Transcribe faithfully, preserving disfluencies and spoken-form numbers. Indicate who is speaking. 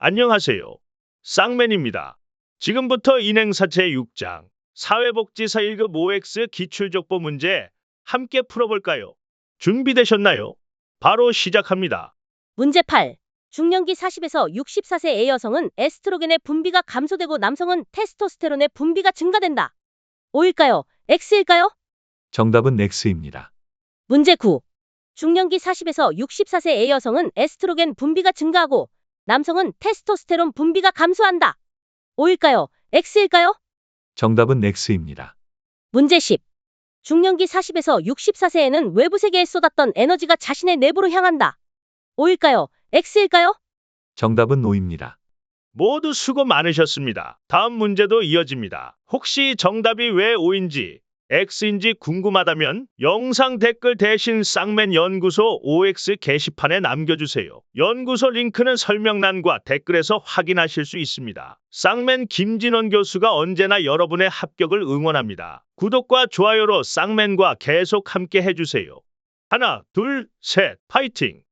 Speaker 1: 안녕하세요. 쌍맨입니다. 지금부터 인행사 제육 장 사회복지사 일 급 오엑스 기출족보 문제 함께 풀어볼까요? 준비되셨나요? 바로 시작합니다.
Speaker 2: 문제 팔. 중년기 사십에서 육십사 세 의 여성은 에스트로겐의 분비가 감소되고 남성은 테스토스테론의 분비가 증가된다. O일까요? X일까요?
Speaker 3: 정답은 X입니다.
Speaker 2: 문제 구. 중년기 사십에서 육십사 세 의 여성은 에스트로겐 분비가 증가하고 남성은 테스토스테론 분비가 감소한다. O일까요? X일까요?
Speaker 3: 정답은 X입니다.
Speaker 2: 문제 십. 중년기 사십에서 육십사 세에는 외부 세계에 쏟았던 에너지가 자신의 내부로 향한다. O일까요? X일까요?
Speaker 3: 정답은 O입니다.
Speaker 1: 모두 수고 많으셨습니다. 다음 문제도 이어집니다. 혹시 정답이 왜 O인지 X인지 궁금하다면 영상 댓글 대신 쌍맨 연구소 오엑스 게시판에 남겨주세요. 연구소 링크는 설명란과 댓글에서 확인하실 수 있습니다. 쌍맨 김진원 교수가 언제나 여러분의 합격을 응원합니다. 구독과 좋아요로 쌍맨과 계속 함께 해주세요. 하나, 둘, 셋, 파이팅!